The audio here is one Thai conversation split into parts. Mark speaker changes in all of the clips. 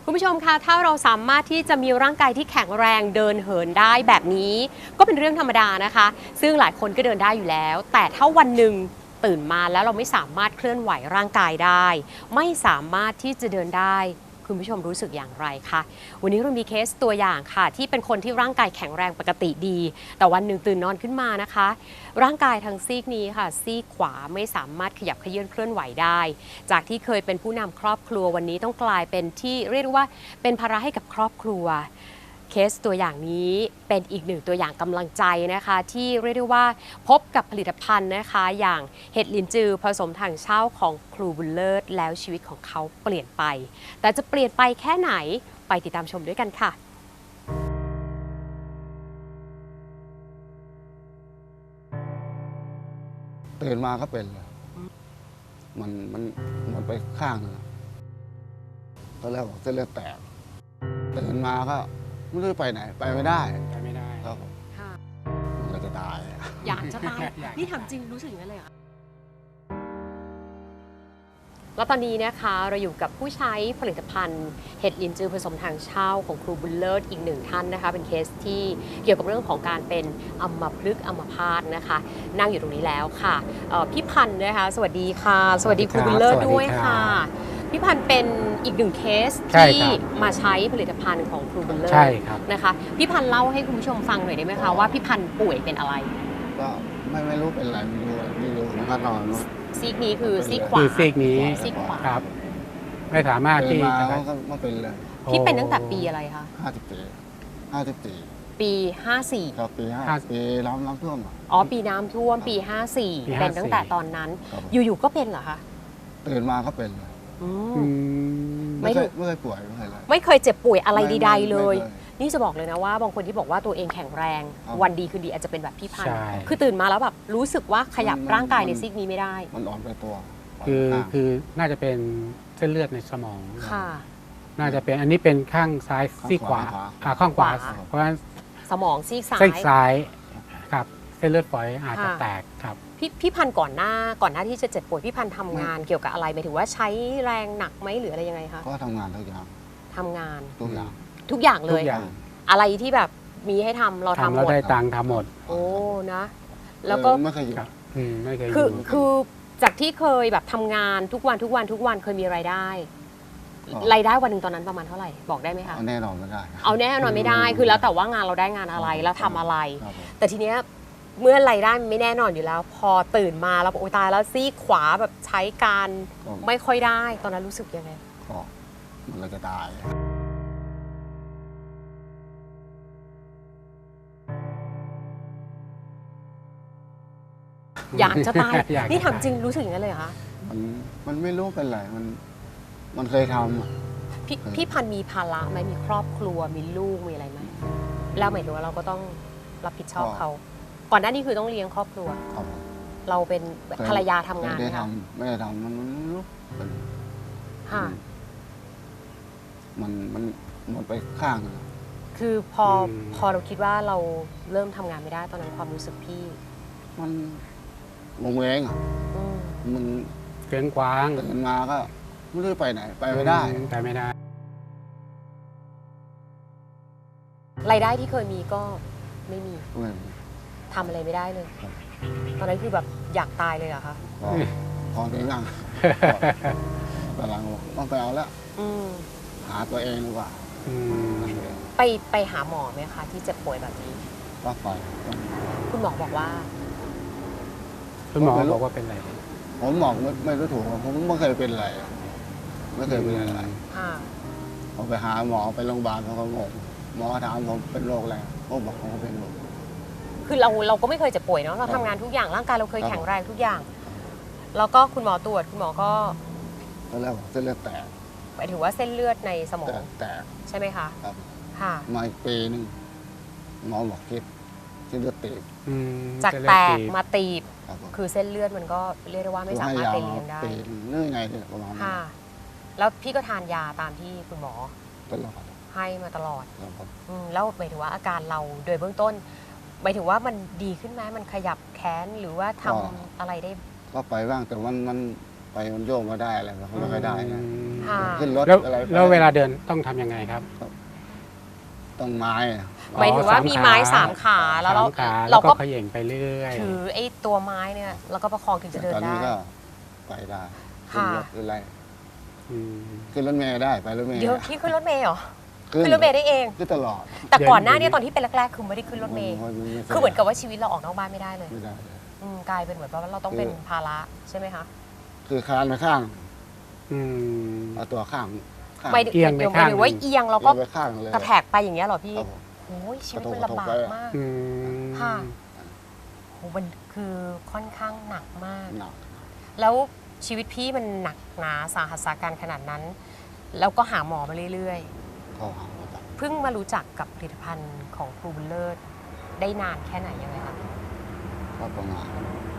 Speaker 1: คุณผู้ชมคะถ้าเราสามารถที่จะมีร่างกายที่แข็งแรงเดินเหินได้แบบนี้ก็เป็นเรื่องธรรมดานะคะซึ่งหลายคนก็เดินได้อยู่แล้ว แต่ถ้าวันหนึ่งตื่นมาแล้วเราไม่สามารถเคลื่อนไหวร่างกายได้ไม่สามารถที่จะเดินได้คุณผู้ชมรู้สึกอย่างไรคะวันนี้เรามีเคสตัวอย่างค่ะที่เป็นคนที่ร่างกายแข็งแรงปกติดี แต่วันหนึ่งตื่นนอนขึ้นมานะคะร่างกายทางซีกนี้ค่ะซีกขวาไม่สามารถขยับเขยื้อนเคลื่อนไหวได้จากที่เคยเป็นผู้นำครอบครัววันนี้ต้องกลายเป็นที่เรียกว่าเป็นภาระให้กับครอบครัวเคสตัวอย่างนี้เป็นอีกหนึ่งตัวอย่างกำลังใจนะคะที่เรียกได้ว่าพบกับผลิตภัณฑ์นะคะอย่างเห็ดลินจือผสมถังเช่าของครูบุญเลิศแล้วชีวิตของเขาเปลี่ยนไปแต่จะเปลี่ยนไปแค่ไหนไปติดตามชมด้วยกันค่ะ
Speaker 2: ตื่นมาก็เป็นเลยมันไปข้างนึงตอนแรกบอกเส้นเลือดแตกตื่นมาก็ไม่รู้ไปไหนไปไม่ได้ครับผมมันก็จะตาย
Speaker 1: อยากจะตายนี่ถามจริงรู้สึกอย่างนั้นเลยเหรอแล้วตอนนี้นะคะเราอยู่กับผู้ใช้ผลิตภัณฑ์เห็ดลินจือผสมถังเช่าของครูบุญเลิศอีกหนึ่งท่านนะคะเป็นเคสที่เกี่ยวกับเรื่องของการเป็นอัมพฤกษ์อัมพาตนะคะนั่งอยู่ตรงนี้แล้วค่ะพี่พันธ์นะคะสวัสดีค่ะสวัสดีครูบุญเลิศด้วยค่ะพี่พันธ์เป็นอีกหนึ่งเคสที่มาใช้ผลิตภัณฑ์ของครูบุญเลิศนะคะพี่พันธ์เล่าให้คุณผู้ชมฟังหน่อยได้ไหมคะว่าพี่พันธ์ป่วยเป็นอะไร
Speaker 2: ก็ไม่รู้เป็นอะไรไม่รู้มันก็นอน
Speaker 1: ซีกนี้คือซีกขวา
Speaker 3: คือซีกนี้
Speaker 1: ซีกขวา
Speaker 3: ครับไม่สามารถที่
Speaker 2: มา
Speaker 3: จะ
Speaker 2: ก็เป็นเลย
Speaker 1: พี่เป็นตั้งแต่ปีอะไรคะ
Speaker 2: 54
Speaker 1: ปี 54
Speaker 2: ครับปีน้ำท่วม
Speaker 1: อ๋อปีน้ำท่วมปี 54เป็นตั้งแต่ตอนนั้นอยู่ๆก็เป็นเหรอคะ
Speaker 2: ตื่นมาก็เป็นเลยไม่เคยป่วย
Speaker 1: ไม่เคยเจ็บป่วยอะไรใดๆเลยนี่จะบอกเลยนะว่าบางคนที่บอกว่าตัวเองแข็งแรงวันดีคืนดีอาจจะเป็นแบบพี่พันธ์คือตื่นมาแล้วแบบรู้สึกว่าขยับร่างกายในซีกนี้ไม่ได้
Speaker 2: มันอ่อนไปตัว
Speaker 3: คือน่าจะเป็นเส้นเลือดในสมอง
Speaker 1: ค่ะ
Speaker 3: น่าจะเป็นอันนี้เป็นข้างซ้ายซีกขวาข้างขวาเพราะฉะนั้น
Speaker 1: สมองซีก
Speaker 3: ซ้ายครับเส้นเลือดฝอยอาจจะแตกครับ
Speaker 1: พี่พันธ์ก่อนหน้าที่จะเจ็บป่วยพี่พันธ์ทำงานเกี่ยวกับอะไรหมายถึงว่าใช้แรงหนักไหมหรืออะไรยังไงคะ
Speaker 2: ก็ทำงานทุกอย่าง
Speaker 1: ทำงาน
Speaker 2: ทุกอย่าง
Speaker 1: เลยอะไรที่แบบมีให้ทำเราทำหมด
Speaker 3: เราได้ตังค์ทำหมด
Speaker 1: โอ้นะแล้วก็
Speaker 2: ไม่เคยอยู่
Speaker 1: คือจากที่เคยแบบทำงานทุกวันเคยมีรายได้วันหนึ่งตอนนั้นประมาณเท่าไหร่บอกได้ไหมคะ
Speaker 2: เอาแน่นอนไม่ได้
Speaker 1: เอาแน่นอนไม่ได้คือแล้วแต่ว่างานเราได้งานอะไรแล้วทำอะไรแต่ทีเนี้ยเมื่อรายได้ไม่แน่นอนอยู่แล้วพอตื่นมาแล้วโอ้ตายแล้วซีกขวาแบบใช้การไม่ค่อยได้ตอนนั้นรู้สึกยังไง
Speaker 2: ก็มันก็จะตาย
Speaker 1: อยากจะตายนี่ถามจริงรู้สึกอย่างนั้นเลยเหรอคะ
Speaker 2: มันไม่รู้เป็นไรมันเคยท
Speaker 1: ำพี่พันธ์มีภาระไหมมีครอบครัวมีลูกมีอะไรไหมแล้วหมายถึงว่าเราก็ต้องรับผิดชอบเขาก่อนหน้านี้คือต้องเลี้ยงครอบครัวเราเป็นภรรยาทำงาน
Speaker 2: ไม่ได้ทำมันรู้มันไปข้าง
Speaker 1: คือพอเราคิดว่าเราเริ่มทำงานไม่ได้ตอนนั้นความรู้สึกพี่
Speaker 2: มันงงเงมัน
Speaker 3: เกินกว้าง
Speaker 2: ตื่นมาก็ไม่รู้ไปไหนไปไม่ได้
Speaker 1: รายได้ที่เคยมีก็ไม่มีทำอะไรไม่ได้เลยตอนนั้นคือแบบอยากตายเลยเหรอคะ
Speaker 2: พอได้ยังกำลังต้องไปเอาแล้วหาตัวเองดีกว่า
Speaker 1: ไปหาหมอไหมคะที่เจ็บป่วยแบบนี้
Speaker 2: ก็ไป
Speaker 1: คุณหมอบอกว่า
Speaker 3: คุณหมอบอกว่าเป็นอะไร
Speaker 2: ผมบอกไม่รู้ถูกผมไม่เคยเป็นอะไรไม่เคยเป็นอะไรผมไปหาหมอไปโรงพยาบาลเขาก็งงหมอถามผมเป็นโรคอะไรผมบอกเขาเป็นโรค
Speaker 1: คือเราก็ไม่เคยเจ็บป่วยเนาะเราทำงานทุกอย่างร่างกายเราเคยแข็งแรงทุกอย่างแล้วก็คุณหมอตรวจคุณหมอก็
Speaker 2: ตอนแรกบอกเส้นเลือดแตก
Speaker 1: หมายถึงว่าเส้นเลือดในสมอง
Speaker 2: แตก
Speaker 1: ใช่ไหมคะ
Speaker 2: ครับ
Speaker 1: ค่ะ
Speaker 2: มาอีกปีนึงหมอบอกคิดเส้นเลือดตีบ
Speaker 1: จากแตกมาตีบคือเส้นเลือดมันก็เรียกได้ว่าไม่สามารถไปเลี้ยงได้
Speaker 2: เนื่องไงเนี่ยประมาณนั้น
Speaker 1: แล้วพี่ก็ทานยาตามที่คุณหมอ
Speaker 2: ตลอด
Speaker 1: ให้มาตลอดแล้วหมายถึงว่าอาการเราโดยเบื้องต้นหมายถึงว่ามันดีขึ้นไหมมันขยับแขนหรือว่าทำอะไรได้
Speaker 2: ก็ไปบ้างแต่มันไปมันโยกมาได้อะไรมันไม่ค่อยได้นะ
Speaker 1: ค่ะ
Speaker 2: ขึ้นรถ
Speaker 3: แล้ว
Speaker 2: อะไรไป
Speaker 3: แล้วเวลาเดินต้องทำยังไงครับ
Speaker 2: ต้องไม้อะ
Speaker 1: หมายถึงว่ามีไม้3 ขาแล้วเรา
Speaker 3: สามขา
Speaker 1: เรา
Speaker 3: แล้ว
Speaker 1: ก็
Speaker 3: ก็เขย่งไปเรื่อย
Speaker 1: ถือไอ้ตัวไม้เนี่ยแล้วก็ประคองถึงจะเดิน
Speaker 2: ตอน
Speaker 1: ได้
Speaker 2: นี้ก็ไปได้ขึ้น
Speaker 1: ค่ะ
Speaker 2: รถขึ้นอะไร
Speaker 3: อืม
Speaker 2: ขึ้นรถเมล์ได้ไปรถเมล์
Speaker 1: เดี๋ยวพี่ขึ้นรถเมล์เหรอ
Speaker 2: ขึ้น
Speaker 1: ขึ้นรถเมล์ได้เอง
Speaker 2: ขึ้นตลอด
Speaker 1: แต่ก่อนหน้านี้ตอนที่เป็นแรกๆคือไม่ได้ขึ้นรถเมล์
Speaker 2: นไ
Speaker 1: คือเหมือนกับว่าชีวิตเราออกนอกบ้านไม่ได้เลย
Speaker 2: ไม่ได้เลย
Speaker 1: กลายเป็นเหมือนว่าเราต้องเป็นภาระใช่ไหมคะ
Speaker 2: คือคานไปข้าง
Speaker 3: อืม
Speaker 2: เอาตัวข้างข้าง
Speaker 1: ไม่
Speaker 3: เอียงไป
Speaker 1: ดี๋ว
Speaker 3: ข้าง
Speaker 1: หรือว่าเอียงเราก็
Speaker 2: ไปข้างเลย
Speaker 1: กระแทกไปอย่างเงี้ยเหรอพี่
Speaker 2: ครับผม
Speaker 1: โอ้ยชีวิต
Speaker 2: กระทบ
Speaker 1: มันลำบาก
Speaker 2: กระทบไป
Speaker 1: มาก
Speaker 3: อืม
Speaker 1: ค่ะโหมันคือค่อนข้างหนักมาก
Speaker 2: หนัก
Speaker 1: แล้วชีวิตพี่มันหนักหนาสาหัสสาการขนาดนั้น แล้วก็หาหมอมาเรื่อย
Speaker 2: เข้าหาหมอตัด
Speaker 1: ๆ เพิ่งมารู้จักกับผลิตภัณฑ์ของครูบุญเลิศได้นานแค่ไหนยังไงคะ
Speaker 2: ก็ประมาณ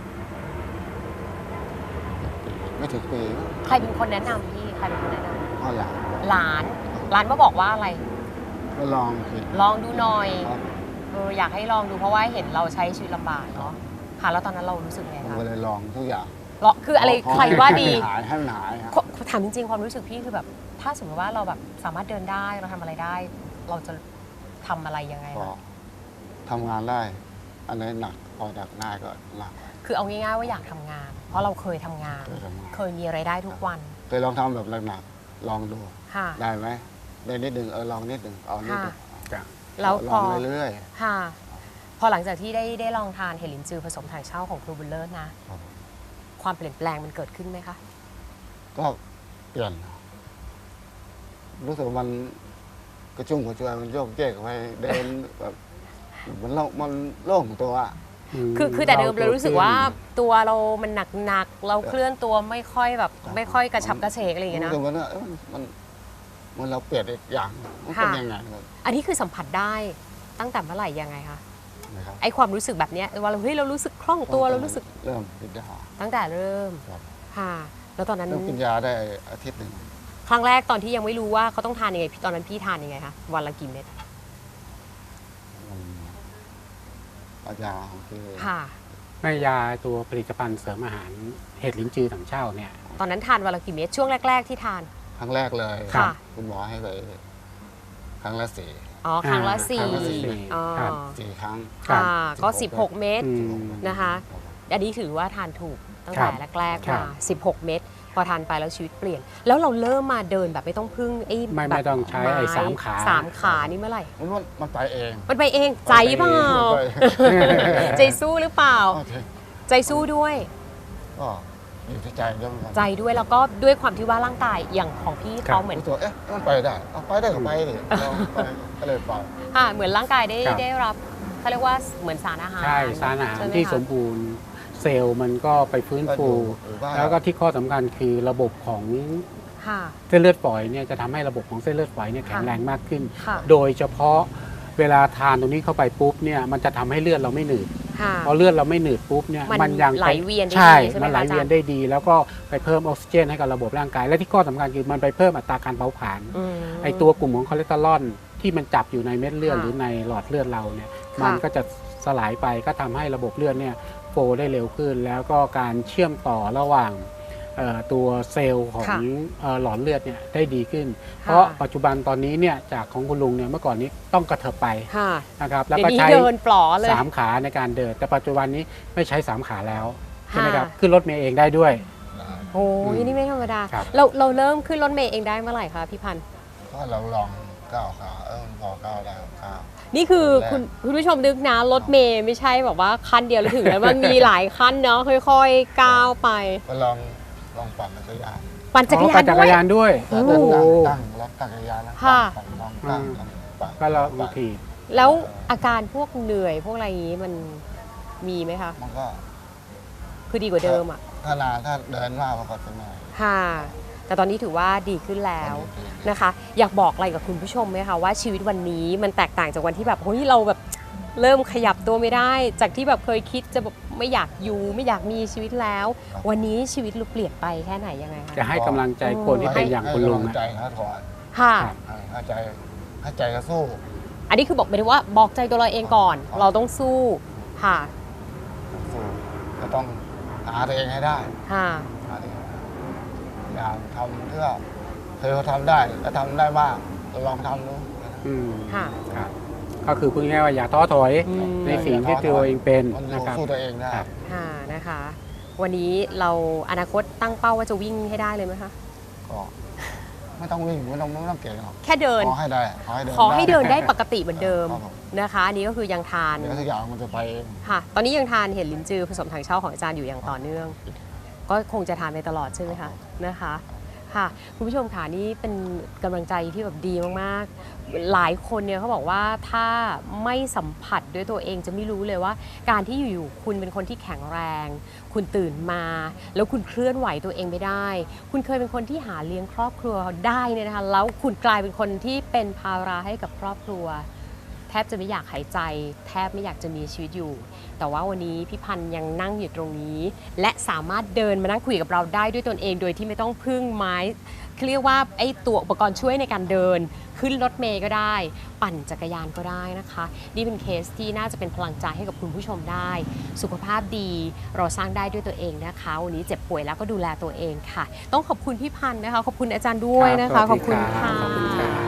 Speaker 2: ไม่ถึงปี
Speaker 1: ใครเป็นคนแนะนำพี่ใครเป็นคนแนะน
Speaker 2: ก็หลัง
Speaker 1: ำหลานมาบอกว่าอะไร
Speaker 2: ก็ลองสิ
Speaker 1: ลองดูหน่อย
Speaker 2: ครับ
Speaker 1: อยากให้ลองดูเพราะว่าเห็นเราใช้ชีวิตลำบากเนาะค่ะแล้วตอนนั้นเรารู้สึกไง
Speaker 2: ผม
Speaker 1: คะ
Speaker 2: ก็เลยลองทุกอย่าง
Speaker 1: คืออะไร
Speaker 2: พ
Speaker 1: ใครว่าดี
Speaker 2: ให้มันหายครับ
Speaker 1: ถามจริงๆความรู้สึกพี่คือแบบ ถ้าสมมติว่าเราแบบสามารถเดินได้เราทำอะไรได้ เราจะทำอะไรยังไง
Speaker 2: ก็
Speaker 1: คะ
Speaker 2: ทำงานได้ อันไหนี้หนักพอหนักได้ก็หนัก
Speaker 1: คือเอาง่ายๆว่าอยากทำงาน เพราะเราเคยทำงาน
Speaker 2: เคยทำงาน
Speaker 1: เคยมีไรายได้ทุกวัน
Speaker 2: เคยลองทำแบบหนักๆลองดู
Speaker 1: ค่ะ
Speaker 2: ได้ไหมได้นิดหนึ่งลองนิดหนึ่งเอานิดหนึ่ง
Speaker 3: จ้ะ
Speaker 1: แล้ว
Speaker 2: ล
Speaker 1: พ
Speaker 2: อ
Speaker 1: อง
Speaker 2: เรื่อย
Speaker 1: ค่ะ พอหลังจากที่ได้ลองทานเห็ดลินจือผสมถังเช่าของครูบุญเลิศนะ
Speaker 2: ครับ
Speaker 1: ความเปลี่ยนแปลงมันเกิดขึ้นไหมคะ
Speaker 2: ๆก็เปลี่ยน รู้สึกว่ามันกระชุ่มกระชวยมันโยกเยกไปเดินแบบมันโล่งตัวอะ
Speaker 1: คือแต่เดิมเรารู้สึกว่าตัวเรามันหนักๆเราเคลื่อนตัวไม่ค่อยแบบไม่ค่อยกระฉับกระเฉงอะไรอย่างเงี้ยนะ
Speaker 2: รู้สึกว่าเอ้ยมันเราเปลี่ยนอีกอย่างมันเป็น
Speaker 1: ค่ะ
Speaker 2: ยังไงครับ
Speaker 1: อันนี้คือสัมผัสได้ตั้งแต่เมื่อไหร่ยังไงคะ
Speaker 2: นะครับ
Speaker 1: ไอความรู้สึกแบบเนี้ยว่าเราเฮ้ยเรารู้สึกคล่องตัวเรารู้สึก
Speaker 2: เริ่มกินยา
Speaker 1: ตั้งแต่เริ่ม
Speaker 2: ครับ
Speaker 1: ค่ะ แล้วตอนนั้น
Speaker 2: เริ่มกินยาได้อาทิตย์หนึ่ง
Speaker 1: ครั้งแรกตอนที่ยังไม่รู้ว่าเขาต้องทานยังไงตอนนั้นพี่ทานยังไงคะวันละกี่เม็ด
Speaker 2: มันเอายาของคือ
Speaker 1: ค่ะ
Speaker 3: แม่ยาตัวผลิตภัณฑ์เสริมอาหารเห็ดลิ้นจือถังเช่าเนี่ย
Speaker 1: ตอนนั้นทานวันละกี่เม็ดช่วงแรก ๆที่ทาน
Speaker 2: ครั้งแรกเลย
Speaker 1: ค่ะ
Speaker 2: คุณหมอให้ไปครั้งละสี่
Speaker 1: อ๋อครั้งละ
Speaker 3: ครั้
Speaker 1: สี่
Speaker 3: งละสี่
Speaker 1: อ๋อ
Speaker 3: ครับ
Speaker 2: สี่ครั้ง
Speaker 1: ค่ะ ก็
Speaker 2: 16
Speaker 1: 16 เม็ด
Speaker 3: อืม
Speaker 1: นะคะ อันนี้ถือว่าทานถูกตั้ง
Speaker 3: ครั
Speaker 1: แต่
Speaker 3: บ
Speaker 1: แรกๆ
Speaker 3: ครั
Speaker 1: มา
Speaker 3: บ
Speaker 1: 16 เม็ดพอทานไปแล้วชีวิตเปลี่ยน แล้วเราเริ่มมาเดินแบบไม่ต้องพึ่งไอ้
Speaker 3: ไม่
Speaker 1: แบบ
Speaker 3: ต้องใช้ไอ้สามขา
Speaker 1: สามขานี่เมื่อไหร่
Speaker 2: มันไปเอง
Speaker 1: มันไปเองใจเปล่า
Speaker 2: ไป
Speaker 1: ใจสู้หรือเปล่า
Speaker 2: โอเค
Speaker 1: ใจสู้ด้วย
Speaker 2: ก็อยู่ที่ใจด้วยเหมือนกัน
Speaker 1: ใจด้วยแล้วก็ด้วยความที่ว่าร่างกายอย่างของพี่
Speaker 3: ครับ
Speaker 1: เขาเหมือน
Speaker 2: รู้ตัวเอ๊ะมันไปได้เอาไปได้ก็ไปดิลองไปก็เลยไป
Speaker 1: ค่ะเหมือนร่างกายได้
Speaker 3: ครับ
Speaker 1: ได้รับเขาเรียกว่าเหมือนสารอาหาร
Speaker 3: ใช่สารอาหาร
Speaker 1: ใช่ไหม
Speaker 3: ที่
Speaker 1: คะ
Speaker 3: สมบูรณ์เซลล์มันก็ไปฟื้นฟู
Speaker 2: หรือว่า
Speaker 3: แล้วก็ที่ข้อสำคัญคือระบบของ
Speaker 1: ค่ะ
Speaker 3: เส้นเลือดฝอยเนี่ยจะทำให้ระบบของเส้นเลือดฝอยเนี่ยแข็งแรงมากขึ้น
Speaker 1: ค่ะ
Speaker 3: โดยเฉพาะเวลาทานตรงนี้เข้าไปปุ๊บเนี่ยมันจะทำให้เลือดเราไม่หนืด
Speaker 1: ค่ะ
Speaker 3: พอเลือดเราไม่หนืดปุ๊บเนี่ย
Speaker 1: มัน
Speaker 3: ยัง
Speaker 1: ไหลเวียนได้
Speaker 3: ใช่
Speaker 1: ดีใช่ไหม
Speaker 3: มันไหล
Speaker 1: คะอาจารย์
Speaker 3: เวียนได้ดี แล้วก็ไปเพิ่มออกซิเจนให้กับระบบร่างกาย และที่ข้อสำคัญคือมันไปเพิ่มอัตราการเผาผลาญ
Speaker 1: อืม
Speaker 3: ไอตัวกลุ่มของคอเลสเตอรอลที่มันจับอยู่ในเม็ดเลือด
Speaker 1: ค่ะ
Speaker 3: หรือในหลอดเลือดเราเนี่ย
Speaker 1: ค่ะ
Speaker 3: มันก็จะสลายไปก็ทำให้ระบบเลือดเนี่ยโฟลว์ได้เร็วขึ้น แล้วก็การเชื่อมต่อระหว่างตัวเซลล์ของ
Speaker 1: ค่ะ
Speaker 3: หลอดเลือดเนี่ยได้ดีขึ้น เพราะปัจจุบันตอนนี้เนี่ยจากของคุณลุงเนี่ยเมื่อก่อนนี้ต้องกระเถิบไป
Speaker 1: ค่ะ
Speaker 3: นะครับแล้ว
Speaker 1: เดี๋ย
Speaker 3: ก็
Speaker 1: วนี้
Speaker 3: ใช้
Speaker 1: เดินปลอเลย
Speaker 3: 3 ขาในการเดิน แต่ปัจจุบันนี้ไม่ใช้ 3 ขาแล้วใช่ไหมครับ
Speaker 1: ค่ะ
Speaker 3: ขึ้นรถเมล์เองได้ด้วย
Speaker 1: โอ้ยนี่ไม่ธรรมดา
Speaker 3: ครับ
Speaker 1: เราเริ่มขึ้นรถเมล์เองได้เมื่อไหร่คะพี่พันธ์
Speaker 2: ก็เราลองก้าวขามันพอก้าวได้ก้าว
Speaker 1: นี่คือ
Speaker 2: แรก
Speaker 1: คุณผู้ชมนึกนะรถเมล์ไม่ใช่แบบว่าขั้นเดียวแล้วถึงแล้วมันมีหลายขั้นเนาะค่อยๆก้าวไป
Speaker 2: ก็ลองปั่นจักรยาน
Speaker 1: ปั่นจักรยา
Speaker 3: ปั่
Speaker 1: น
Speaker 3: นจั
Speaker 1: ด้
Speaker 3: ก
Speaker 1: ว
Speaker 3: ร
Speaker 1: ย
Speaker 3: ยานด้วย
Speaker 1: โอ้
Speaker 3: โอ้โห
Speaker 2: ตั้งรถจักรยานแล้ว
Speaker 1: ค่ะ
Speaker 2: ปั่นลองตั้งปั่น
Speaker 3: ก็เราบางที
Speaker 1: แล้วอาการพวกเหนื่อยพวกอะไรอย่างนี้มันมีไหมคะ
Speaker 2: มันก็
Speaker 1: คือดีกว่าเดิมอ่ะ
Speaker 2: ถ้เดินมากมันก็จะเหนื่อย
Speaker 1: ค่ะ แต่ตอนนี้ถือว่าดีขึ้นแล้ว
Speaker 2: ตอนนี้
Speaker 1: นะคะ อยากบอกอะไรกับคุณผู้ชมไหมคะว่าชีวิตวันนี้มันแตกต่างจากวันที่แบบเฮ้ยเราแบบเริ่มขยับตัวไม่ได้ จากที่แบบเคยคิดจะแบบไม่อยากอยู่ไม่อยากมีชีวิตแล้ว วันนี้ชีวิตเราเปลี่ยนไปแค่ไหนยังไงคะ
Speaker 3: จะให้กำลังใจคนที่เป็นอย่างคุณลุง
Speaker 2: ให้
Speaker 3: นะ
Speaker 2: กำใจเขาถอน
Speaker 1: ค่ะ
Speaker 3: ครับ
Speaker 2: ให้ใจเขาสู้
Speaker 1: อันนี้คือบอกไปเลยว่าบอกใจตัวเราเองก่อน เราต้องสู้ค่ะ
Speaker 2: สู้ก็ต้องหาตัวเองให้ได้
Speaker 1: ค่ะ
Speaker 2: หาตัวเองให้ได้อย่างทำเพื่อเคยเขาทำได้แล้วทำได้บ้างลองทำดู
Speaker 3: อืม
Speaker 1: ค่ะ
Speaker 3: ครับก็คือพูดง่ายๆว่าอย่าท้อถอย
Speaker 1: อืม
Speaker 3: ในสิ่งที่ตัวเองเป็น
Speaker 2: มันอ
Speaker 3: นะ
Speaker 2: ยู่
Speaker 3: ครับ
Speaker 2: สู้ตัวเองได้
Speaker 3: ครับ
Speaker 1: ค่ะนะคะ วันนี้เราอนาคตตั้งเป้าว่าจะวิ่งให้ได้เลยไหมคะ
Speaker 2: ก็ไม่ต้องวิ่งไม่ต้องเก่งหรอก
Speaker 1: แค่เดิน
Speaker 2: ขอให้ได้ขอให้เดิน
Speaker 1: ขอให้เดินได้ปกติเหมือนเดิม
Speaker 2: ครับผม
Speaker 1: นะคะอันนี้ก็คือยังทาน
Speaker 2: เดี๋ยวทุกอย่างมันจะไปเอง
Speaker 1: ค่ะ ตอนนี้ยังทานเห็ดลิ้นจือผสมถังเช่าของอาจารย์อยู่อย่างต่อเนื่อง ก็คงจะทานไปตลอดใช่ไหมคะนะคะ ค่ะคุณผู้ชมค่ะนี่เป็นกำลังใจที่แบบดีมากๆ หลายคนเนี่ยเขาบอกว่าถ้าไม่สัมผัสด้วยตัวเองจะไม่รู้เลยว่า การที่อยู่ๆคุณเป็นคนที่แข็งแรง คุณตื่นมา แล้วคุณเคลื่อนไหวตัวเองไม่ได้ คุณเคยเป็นคนที่หาเลี้ยงครอบครัวได้เนี่ยนะคะแล้วคุณกลายเป็นคนที่เป็นภาระให้กับครอบครัว แทบจะไม่อยากหายใจ แทบไม่อยากจะมีชีวิตอยู่ แต่ว่าวันนี้พี่พันธ์ยังนั่งอยู่ตรงนี้ และสามารถเดินมานั่งคุยกับเราได้ด้วยตนเอง โดยที่ไม่ต้องพึ่งไม้เรียกว่าไอ้ตัวอุปกรณ์ช่วยในการเดิน ขึ้นรถเมล์ก็ได้ ปั่นจักรยานก็ได้นะคะ นี่เป็นเคสที่น่าจะเป็นพลังใจให้กับคุณผู้ชมได้ สุขภาพดีเราสร้างได้ด้วยตัวเองนะคะวันนี้เจ็บป่วยแล้วก็ดูแลตัวเองค่ะ ต้องขอบคุณพี่พันธ์นะคะขอบคุณอาจารย์ด้วยนะคะ
Speaker 3: ครับ
Speaker 1: ขอบคุณค่ะ
Speaker 3: ขอบคุณครับ